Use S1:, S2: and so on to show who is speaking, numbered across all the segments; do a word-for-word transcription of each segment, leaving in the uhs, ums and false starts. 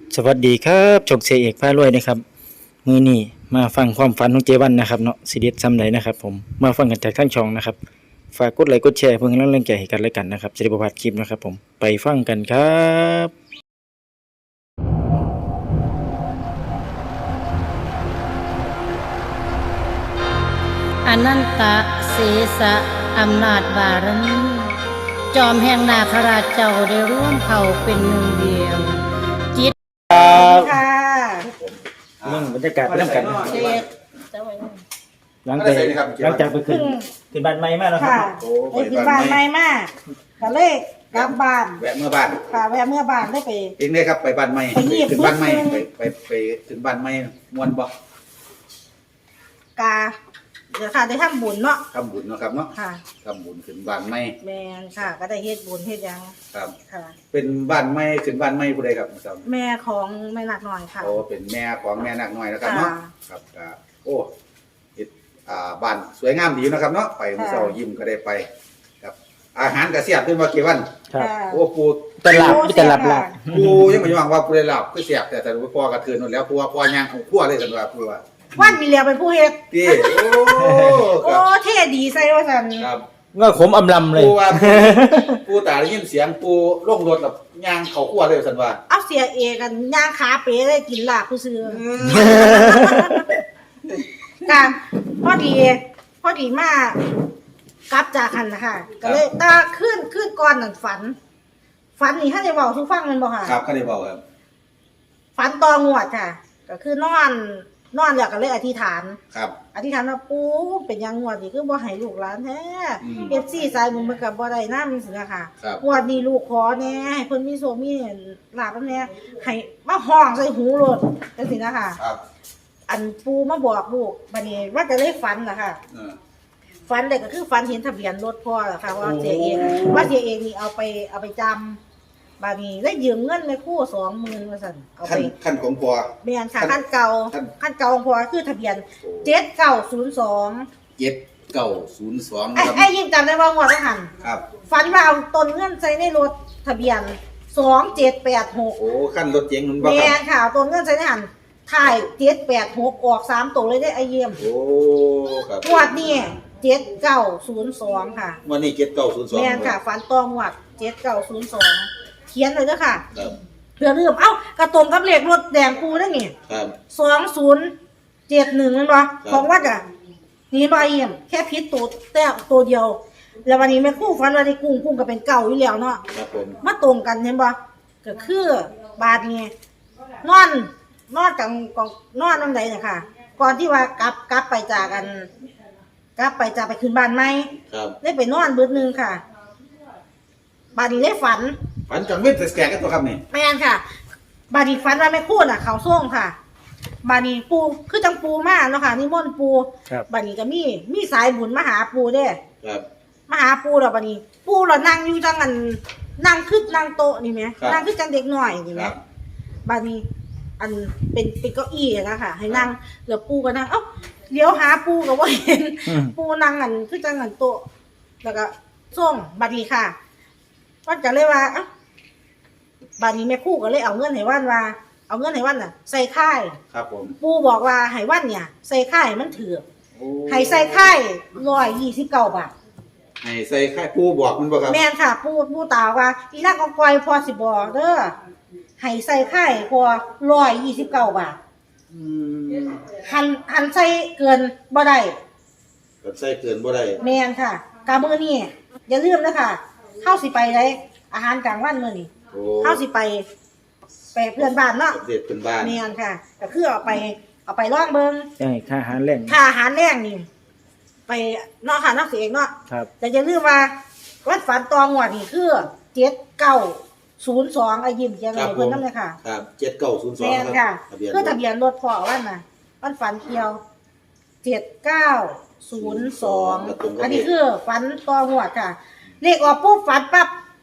S1: สวัสดีครับโชคชัยเอกพารวยนะครับมื้อนี้มาฟังความฝันของเจวันนะครับเนาะสิเด็ดซ้ำใดนะครับผมมาฟังกันจากทั้งช่องนะครับฝากกดไลค์กดแชร์เพื่อเป็นกำลังใจให้กันและกันนะครับจะได้บ่พลาดคลิปนะครับผมไปฟังกันครับ
S2: อนันตะเสสะอำนาจบารมีจอมแห่งนาคราชเจ้าได้ร่วมเผ่าเป็นหนึ่งเดียวจิต
S1: ครับ
S2: ค่ะ
S1: เรื่องบรรยากาศไปเริ่มกัน
S2: เด็ก
S1: หลังจากหลังจากไปขึ้นขึ้นบ้านใหม่มาแล้วครับ
S3: ค่ะไปถึงบ้านใหม่มากก็เลยกลับบ้าน
S4: แวะเมื่อบ้าน
S3: ค่ะแวะเมื่อบ้านได้ไป
S4: เองเลยครับไปบ้านใหม่
S3: ไปเงียบ
S4: ถึงบ้านใหม่
S3: นิดนึ
S4: ไป
S3: ง
S4: ไปไปถึงบ้านใหม่มวนบ่
S3: กาเดี๋ยวค่ะได้ทำบุญเนาะ
S4: ทำบุญเนาะครับเนาะ
S3: ค่ะ
S4: ทำบุญขึ้นบ้านใหม่
S3: แมนค่ะ ก็ได้เฮ็ดบุญเฮ็ดหยัง
S4: ครับ
S3: ค่ะ
S4: เป็นบ้านใหม่ขึ้นบ้านใหม่ผู้ใดครับครับ
S3: แม่ของแม่นักหน่อยค่ะ
S4: โอ้เป็นแม่ของแม่นาคน้อยนะครับเนาะ
S3: ค่ะ
S4: ครับก็โอ้เฮ็ดอ่าบ้านสวยงามดีนะครับเนาะไปมื้อเช้ายิ้มก็ได้ไปครับอาหารก็แซ่บขึ้นว่ากี่วัน
S1: ครับ
S3: ค่ะ
S4: โอ้ปู
S1: ตลับมีตลับหลับ
S4: ปูยังไม่ยอมว่าปูได้หลับคือแซ่บแต่แต่พ่อกระเทือนหมดแล้วปูว่าพ่อย่างของคั่วเลยกันว่าปูว่า
S3: วันมีเลียวเป็นผู้เฮ็ด
S4: พี่โอ้
S3: โอ้เท่ดีใส่ว่าซั่น
S4: ครับ
S1: ก็ขมอำลำเลย
S4: ปูว่า ปูตาได้ยินเสียงปูลงรถแบบย่างเขาขั้วเลยสันว่า
S3: เอาเสียเอกันย่างขาเป๋ได้กินลาบผู้ซื้อค่ะพอดีพอดีมากกลับจากหันนะคะก็เลยตาขึ้นขึ้นก่อนนั่นฝัน ฝันนี่ถ้าได้เว้าทุกฟังแมันบ่ค่ะ
S4: ครับเขาได้บอกครับ
S3: ฝันตองวดค่ะ ก็คือนอนนอนแล้วก็เลยอธิษฐาน
S4: ครับ
S3: อธิษฐานว่าปู่เป็นหยังงวดนี้คือบ่ให้ลูกหลานแท้
S4: อืม
S3: เอฟซีสายบุญมันก็บ่ได้นำสินะคะ
S4: ครับ
S3: งวดนี้ลูกขอแน่ให้เพิ่นมีโชคมีลาภแน่ให้มาห้องใส่หูโลดจังซี่นะคะ
S4: ครับ
S3: อันปู่มาบอกลูกบัดนี้ว่าจะเลยฝันล่ะค่ะ
S4: เออ
S3: ฝันเลยก็คือฝันเห็นทะเบียนรถพ่อล่ะค่ะว่าเสียเองว่าเสียเองนี่เอาไปเอาไปจำบาดนี้ได้ยืมเงินแม่ครู่สองหมื่นว่าซั่นเอา
S4: ขั้
S3: ไป
S4: นขั้นของปัว
S3: แม่นค่ะขั้นเก่า
S4: ขั้น
S3: ขั้นเก่าของพ่อคือทะเบียนเจ็ดเก้าศูนย์สอง
S4: เจ็ดเก้าศูนย์สอง
S3: ไอ้
S4: นะครับ
S3: ไอ้ยิ่งจำได้ว่างวดละหัน
S4: ครับ
S3: ฝันว่าเอาต้นเงินใส่ในรถทะเบียนสองเจ็ดแปดหก
S4: โอ้ขั้นรถเจ๋งนุ่นบ่
S3: แม่
S4: ครับ
S3: นค่ะเอาต้นเงินใส่ในหันถ่ายเจ็ดแปดหกออกสามตัวเลยได้ไอเยี่ยม
S4: โอ้ครับ
S3: งวดนี้เจ็ดเก้าศูนย์สองค่ะ
S4: วันนี้เจ็ดเก้าศูนย์สอง
S3: แม่นค่ะฝันตองวัดเจ็ดเก้าศูนย์สองเขียนเลยเด้อค่ะ
S4: ครับ
S3: เพื่อลืมเอ้ากระตรงกับเลขรถแดงปูนั่นนี่
S4: ครับ
S3: สองศูนย์เจ็ดหนึ่งนั่นบ่ของวัดอ่ะนี่บ่เอี่ยมแค่พิษตัวแต่ตัวเดียว แล้ววันนี้แม่ครู่ฝันว่าได้กุ้งกุ้งก็เป็นเก่าอยู่แล้วเนาะ
S4: ครับผม
S3: มาตรงกันเห็นบ่ก็คือบาดนี้นอนนอนกับกองนอนนั่นใดน่ะค่ะ ก่อนที่ว่ากลับกลับไปจากกัน กลับไปจากไปขึ้นบ้านใหม่
S4: ครับ
S3: ได้ไปนอนเบิดหนึงค่ะ บาดนี้ได้ฝัน
S4: ฝันจังเว้นแต่แก่กันตัวครับนี่
S3: แม่นค่ะ บาดนี้ฝันว่าแม่ครู่น่ะ เขาส่งค่ะ บาดนี้ปูคือจังปูมาเนาะค่ะนิมนต์ปู
S1: ครับ
S3: บาดนี้ก็มีมีสายบุญมาหาปูเด้
S4: ครับ
S3: มาหาปูแล้วบาดนี้ ปูเรานั่งอยู่จังอันนั่งคือนั่งโต๊ะนี่แหมนั่งคือจังเด็กน้อยนี่แหม
S4: ครับ
S3: บาดนี้ อันเป็นเป็นเก้าอี้อะนะคะให้นั่งแล้วปูก็นั่งเอ้าเลี้ยวหาปูก็บ่เห็น
S1: อืม
S3: ปูนั่งอันคือจังอันโต๊ะแล้วก็ส่งบาดนี้ค่ะวันก็เลยว่าเอ้าบาดนี้แม่ครู่ก็เลยเอาเงินให้วันว่า เอาเงินให้วันน่ะ ใส่ค่าย
S4: ครับผม
S3: ปูบอกว่าให้วันเนี่ย ใส่ค่ายมันถือ
S4: โอ้
S3: ให้ใส่ค่ายร้อยยี่สิบเก้าบาท
S4: ให้ใส่ค่ายปูบอกมันบ่ครับ
S3: แม่นค่ะ ปูปูตาว่าอีนักกองกอยพอสิบอกเด้อให้ใส่ค่ายพอร้อยยี่สิบเก้าบาท
S4: อืม
S3: หันหันใส่เกินบ่ได้
S4: กับใส่เกินบ่ได้
S3: แม่นค่ะกามื้อนี้อย่าลืมนะคะเฮาสิไปได้อาหารกลางวันมื้อนี้
S4: โอ้
S3: เฮาสิไปไปเพื่อนบ้านเนาะ
S4: ประเทศเป็นบ้าน
S3: แม่นค่ะก็คือเอาไปเอาไปลองเบิ่ง
S1: ใช่ค่าอาหารแรง
S3: ค่าอาหารแรงนี่ไปเนาะค่ะเนาะเสียเองเนาะ
S1: ครับ
S3: แต่อย่าลืมว่าวัดฝันตองวดนี่คือเจ็ดเก้าศูนย์สองไอ้ยิ้มเขียน
S4: ครั
S3: ไว้
S4: บผ
S3: เพิ่น
S4: ม
S3: นำเลยค่ะ
S4: ครับเจ็ดเก้าศูนย์สอง
S3: แม่น
S4: ค
S3: ค่ะ
S4: รับทะเบียน
S3: คือทะเบียนรถพ่อวันน่ะวันฝันเกี่ยวเจ็ดเก้าศูนย์สองอันนี้คือฝันตองวดค่ะ เลขออกปุ๊บฝันปั๊บ
S4: โอ้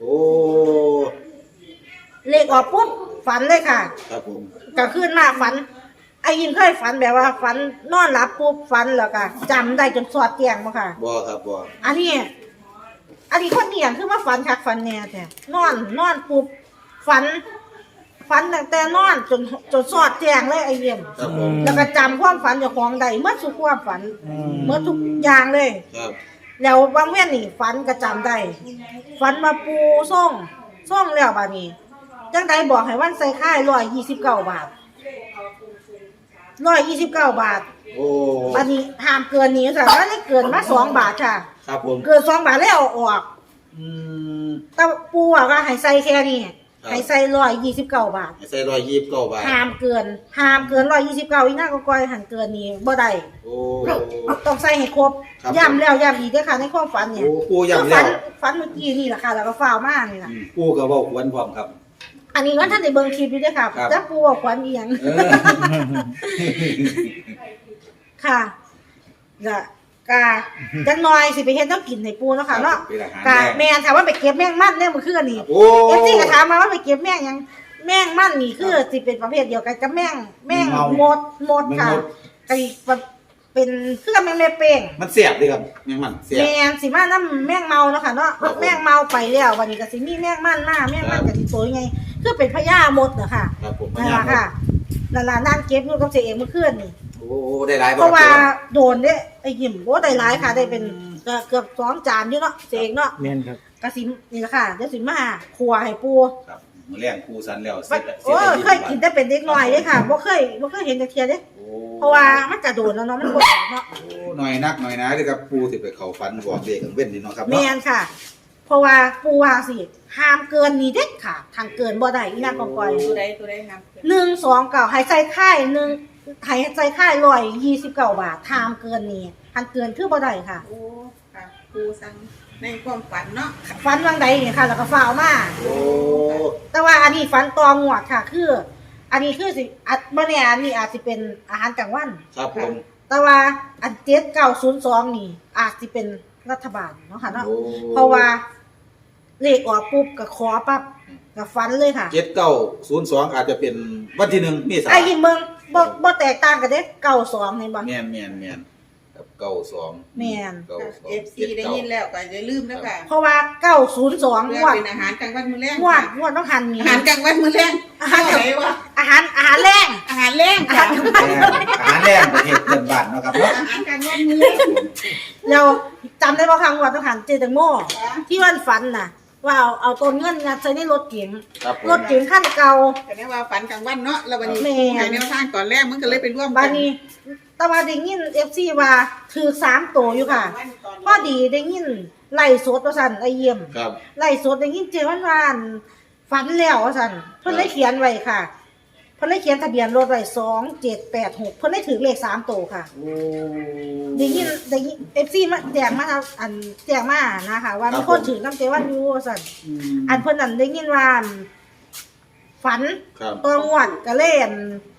S3: เลขออกปุ๊บฝันเลยค่ะ
S4: ครับผม
S3: ก็ขึ้นมาฝันไอ้ยินเคยฝันแบบว่าฝันนอนหลับปุ๊บฝันแล้วก็จำได้จนสอดแจ้งบ่ค่ะ
S4: บ่ครับบ่
S3: อันนี้ อันนี้คนเนียงคือมาฝันคักฝันแน่แท้นอนนอนปุ๊บฝันฝันตั้งแต่นอนจนจนสอดแจ้งเลยไอ้เยี่ยม
S4: ครับผม
S3: แล้วก็จำความฝันเจ้าของได้เมื่อทุกความฝันเมื่อทุกอย่างเลย
S4: ครับ
S3: แล้วบางแม่นนี่ฝันก็จำได้ฝันมาปูส่งส่งแล้วบาดนี้จังใดบอกให้วันใส่ค่ายร้อยยี่สิบเก้าบาทร้อยยี่สิบเก้าบาท
S4: โอ้
S3: บาดนี้ห้ามเกินนี้ค่ะว่าได้เกินมาสองบาทค่ะ
S4: ครับผม
S3: เกินสองบาทแล้วเอาออก
S4: อืม
S3: แต่ปูอ่ะก็ให้ใส่แค่นี้
S4: ครับ
S3: ให้ใส่ร้อยยี่สิบเก้าบาท
S4: ใส่ร้อยยี่สิบเก้าบาท
S3: ห้ามเกินห้ามเกินร้อยยี่สิบเก้าอีกหน้าก็ก้อยหันเกินนี้บ่ได้
S4: โอ้
S3: ต้องใส่ให้ครบ
S4: ครับ
S3: ย้ำแล้วย้ำอีกเด้วยค่ะในความฝันเนี่ย
S4: โอ้ปูย้ำ
S3: ฝั
S4: แล้ว
S3: นฝันเมื่อกี้นี่แหละค่ะแล้วก็ฟ้าวมากนี่แหละ
S4: อืมปูก็เว้าควรพร้อมครับ
S3: อันนี้ว่าท่านได้เบิ่งคลิปอยู่ด้วยค่ะ
S4: ครับ
S3: จะปูว่าขวัญอีหยัง
S4: เออ
S3: ค่ะจะกาจังน้อยสิไปเฮ็ดน้ำกินให้ปูเนาะค่ะเนาะ
S4: เป็นอาหาร
S3: กา
S4: แร
S3: แม่นถามว่าไปเก็บแมงมันเนี่ยมันคืออันนี้
S4: โอ้
S3: เอฟซีก็ถามมาว่าไปเก็บแมงหยังแมงมันนี่คือสิเป็นประเภทเดียวกันกับแมงแมง
S4: เมา
S3: หมดหมดค่ะ
S4: แมงมด
S3: ไอ้เป็นคือกับแมงแม่เป้ง
S4: มันเสียบเลยครับยังมันเสียบ
S3: แมงสิมาน้ำแมงเมาเนาะค่ะเนาะ
S4: ครับผม
S3: แมงเมาไปแล้ววันนี้ก็สิมีแมงมันหน้าแมงมันก็สิสวยไงคือเป็นพญามดเนาะค่ะ
S4: ครับผม
S3: นั่นล่ะค่ะนั่นล่ะนั่งเก็บอยู่กับเจ๊เองเมื่อคืนนี่
S4: โอ้ได้หลายบ่
S3: เพราะว่า
S4: ครับ
S3: โดนเด้ไอ้หิมโอ้ได้หลายค่ะได้เป็นเกือบเกือบสองจานอยู่เนาะเจ๊เองเนาะ
S1: แม่นครับ
S3: กระสินี่แหละค่ะเดี๋ยวสิมาครัวให้ปู
S4: ครับมื้อแรงครูสันแล้วเส
S3: มั
S4: ร็
S3: น
S4: จแล้ว
S3: โอ้ยเคยกินแต่เป็นเด็กน้อยเลยค่ะบ่เคยบ่เคยเห็นจักเทียเด้
S4: โอ้
S3: เพราะว่ามันกระโดดแล้วเนาะมันบ่ออกเนาะ
S4: โอ้หน่อยนักหน่อยนะเด้อครับปูสิไปเข้าฝันบอกเด็กกันเว้นนี่เนาะครับ
S3: แม่
S4: เนาะ
S3: นค่ะ เพราะว่าปูว่าสิห้ามเกินนี้เด็ดค่ะทางเกินบ่ได้อีนางกองกอย
S5: ตัวใดตัวใดครับ
S3: หนึ่งสองเก้าให้ใส่ค่ายหนึ่งให้ใส่ค่ายร้อยยี่สิบเก้าบาทห้ามเกินนี้ทางเกินคือบ่ได้ค่ะ
S5: โอ้ค่ะครูสั่งในความฝันเนาะ
S3: ฟันวังใดนี่ค่ะ แล้วก็ฟ้าวมา
S4: โอ้
S3: แต่ว่าอันนี้ฟันตองวดค่ะ คือ อันนี้คือสิอัดบ่แน่อันนี้อาจสิเป็นอาหารกลางวัน
S4: ครับผม
S3: แต่ว่าอันเจ็ดเก้าศูนย์สองนี่ อาจสิเป็นรัฐบาลเนาะค่ะเนาะ
S4: โอ้
S3: เพราะว่าเลขออกปุ๊บก็ขอปั๊บก็ฟันเลยค่ะ
S4: เจ็ดเก้าศูนย์สองอาจจะเป็นวันที่หนึ่งเมษา
S3: ไอ้ยิงเมืองบ่บ่แตกต่างกันเด้เก้าสองเห็นบ่
S4: แม่นแม่นแม่นครับเก้าสอง
S3: แม่น
S4: เก้าสอง
S5: เอฟซีได้ยินแล้วก็อย่าลืมนะค่ะ
S3: เพราะว่าเก้าศูนย์สอง
S5: เพื่
S3: ง
S5: อ
S3: วด
S5: เป็นอาหารกลางวันมื้อแรง
S3: งวดงวดต้องหันนี่
S5: อาหารกลางวันมื้อแรง
S3: อาหาร
S5: อะไรวะ
S3: อาหารอาหารแรง
S5: อาหารแรง
S3: อา
S5: ค่ะ
S3: หาร
S4: แม่นอาหารแรงประเทศเพื่อนบ้านเนาะครับเนาะ
S5: อาหารกลางวันมื้อแรง
S3: เราจำได้บ่ครั้งวดต้องหันเจตังโมที่วันฝันน่ะ ว่าเอาเอาต้นเงินงัดใส่ในรถเก๋ง
S4: ครับผม
S3: รถเก๋งคันเก่า
S5: แต่เนี่ยว่าฝันกลางวันเนาะแล้ววันนี้
S3: แม่
S5: ให้แนวทางก่อนแรกมันก็เลยไปร่วม
S3: บา
S5: กั
S3: ดนี้แต่ว่าได้ยิน เอฟ ซี ว่าถือสามตัวอยู่ค่ะ พอดีได้ยินไล่สดว่าซั่นไอ้เยี่ยม
S4: ครับ
S3: ไล่สดได้ยินเจวันวานฝันแล้วว่าซั่นเพิ่นเลยเขียนไว้ค่ะเพิ่นเลยเขียนทะเบียนรถไว้สองเจ็ดแปดหกเพิ่นเลยถือเลขสามตัวค่ะ
S4: โอ้
S3: ได้ยินได้ยิน เอฟ ซี มาแจ้งมาทางอันแจ้งมานะคะว่ามีคนถือน้ำเจวันอยู่ว่าซั่น
S4: อืม
S3: อันเพิ่นนั่นได้ยินว่าฝัน
S4: ครับ
S3: ตัวงวดก็เลยอั่น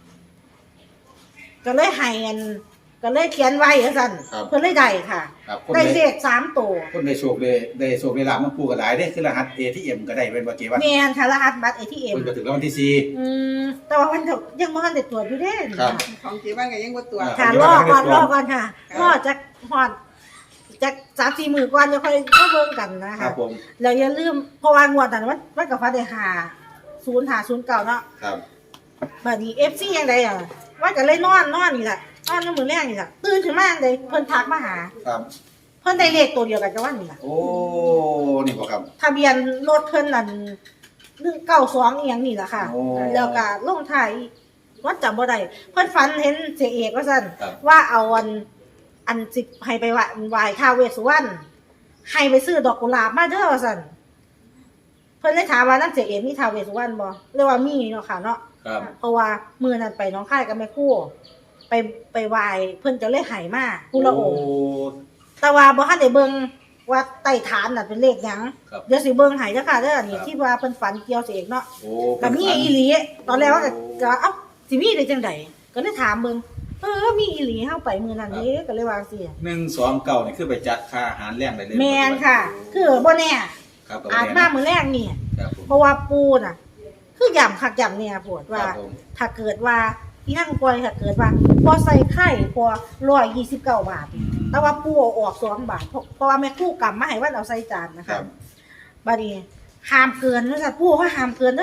S3: ก็เลยให้อันก็เลยเขียนไว้ว่าซั่น
S4: ครับ
S3: เพิ่นเลยได้ค่ะ
S4: ครับคน
S3: ได้
S4: ใน
S3: เลขสามตัว
S4: คนในโชคเลยได้โชคได้ลาบมันปูก็หลายเด้คือรหัส เอ ที เอ็ม ก็ได้เป็นว่าเกว่า
S3: แม่นค่ะรหัสบัตร เอ ที เอ็ม
S4: คนก็ถึงรางวัลที่สี่
S3: อืมแต่ว่ามันก็ยังบ่ทันได้ตรวจอยู่เด้
S4: ครับ
S5: ของเจ๊บ้านก็ยังบ่ตัวจ
S3: ค่ะ
S4: เดี๋ยว
S3: รอก่อน
S4: เดี๋ยว
S3: รอก่อนค่ะรอจักฮอดจักสามสี่มื้อก่อนจะค่อยมาเบิ่งกันนะ
S4: ครั
S3: คะ
S4: บผม
S3: แล้วอย่าลืมเพราะว่างวดนั้นมันมันก็ฟ้าได้ห้าศูนย์ห้าศูนย์เก้าเนาะ
S4: ครับ
S3: บัดนี้ เอฟ ซี ยังไดอ่ะว่าก็เลยนอนนอนนี่แหละนอนในมื้อแรกนี่แหละตื่นขึ้นมาจังไดเพิ่นทักมาหา
S4: ครับ
S3: เพิ่นได้เลขตัวเดียวกันกับวันนี่ล่ะ
S4: โอ้นี่บ่ครับ
S3: ทะเบียนรถเพิ่นนั่นหนึ่งเก้าสองอีหยังนี่ล่ะค่ะ
S4: โอ้
S3: แล้วก็ลงท้ายวัดจำบ่ได้เพิ่นฝันเห็นเสียเอกว่าซั่น
S4: ครับ
S3: ว่าเอาอันอันสิให้ไปไหว้ไหว้ท้าวเวสสุวรรณให้ไปซื้อดอกกุหลาบมาเด้อว่าซั่นเพิ่นเลยถามว่านั่นเสียเอกมีท้าวเวสสุวรรณบ่เรียกว่ามีเนาะค่ะเนาะ
S4: ครับ
S3: เพราะว่ามื้อนั้นไปหน้องค่ายกับแม่ครู่ไปไปไหว้เพิ่นจะเลยให้มาผู้ละองค์
S4: โ
S3: แต่ว่าบ่ทันได้เบิ่งว่าใต้ฐานน่ะเป็นเลขหยัง
S4: ครับ
S3: เดี๋ยวสิเบิ่งให้เด้อค่ะเด้อนี่
S4: ครับ
S3: ที่ว่าเพิ่นฝันเกี่ยวเสกเนาะ
S4: โอ้
S3: ก็มีอีหลีตอนแรกว่าก็ก็เอ้าสิมีได้จังไดก็เลยถามเบิ่งเออมีอีหลีเฮาไปมื้อนั้นเด้ก็เลยว่าจังซี่
S4: หนึ่งสองเก้านี่คือไปจัดค่าอาหารแรงได้เลย
S3: แม่นค่ะ คือบ่แน่
S4: ครับก็
S3: อาจ
S4: แม่
S3: มาน มื้อแรกนี่
S4: ครับผม
S3: เพราะว่าปูน่ะ คือย่ำคักย่ำเนี่ยปวดว่า
S4: ครับผม
S3: ถ้าเกิดว่าอีนั่งปล่อยถ้าเกิดว่าพอใส่ไข่พอร้อยยี่สิบเก้าบาท
S4: อืม
S3: แต่ว่าปูเอาออกสองบาทเพราะเพราะว่าแม่คู่กำมาให้ว่าเอาใส่จานนะ
S4: ครั
S3: คะ
S4: บ
S3: บัดนี้ห้ามเกินนะจ๊ะปูเขาห้ามเกินเด้อ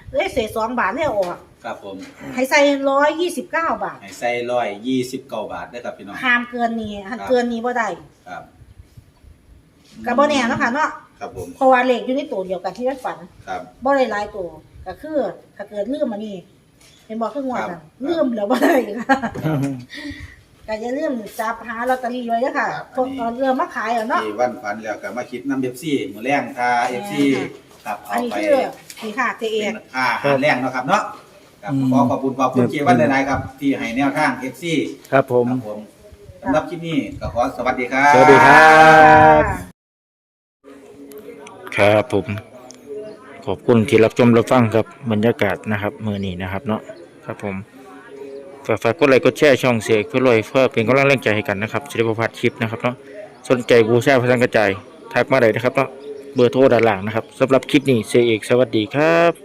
S3: เลยเศษสองบาทเลยเอาออก
S4: ครับผม
S3: ให้ใส่ร้อยยี่สิบเก้าบาท
S4: ให้ใส่ร้อยยี่สิบเก้าบาทได้อครับพี่น้อง
S3: ห้ามเกินนี้หันเกินนี้บ่ได้
S4: ครับ
S3: ก็บ่แน่เนาะค่ะเนาะ
S4: ครับผม
S3: เพราะว่าเลขอยู่ในตัวเดียวกันที่มันฝัน
S4: ครับ
S3: บ่ได้หลายตัวก็คือถ้าเกิดลืมอันนี้เป็นบ่คืองวด
S4: ครั
S3: น่ะ
S4: บ
S3: ลืมแล้วบ่ได้ค่ะก็อย่าลืมจับหาลอตเตอรี่ไว้เด้อค่ะ
S4: ครับ
S3: พวกเอาเรือมาขายอ่ะเนาะ
S4: ที่วันฝันแล้วก็มาคิดน้ำเอฟซีมื้อแรงค่าเอฟซีครับ
S3: อั
S4: เอา
S3: นนี้
S4: ไป
S3: คือนี่ค่ะเจเอ
S4: เป็
S3: ก
S4: นค่าอาหารแรงเนาะครับเนาะครับ
S1: อืม
S4: ขอขอบคุณขอบคุณเจวันหลายๆครับที่ให้แนวทางเอฟซี
S1: ครับผม
S4: ครับผมสำหรับคลิปนี้ก็ขอสวัสดีครับ
S1: สวัสดีครับ ครับผม ขอบคุณที่รับชมรับฟังครับบรรยากาศนะครับมื้อนี้นะครับเนาะครับผมฝากฝากกดไลค์กดแชร์ช่องเสียงเพื่อรวยเพื่อเป็นกำลังแรงใจให้กันนะครับจะได้บ่พลาดคลิปนะครับเนาะสนใจบูชาพระสังกระจายทักมาได้นะครับเนาะเบอร์โทรด้านล่างนะครับสำหรับคลิปนี้เสียเอกสวัสดีครับ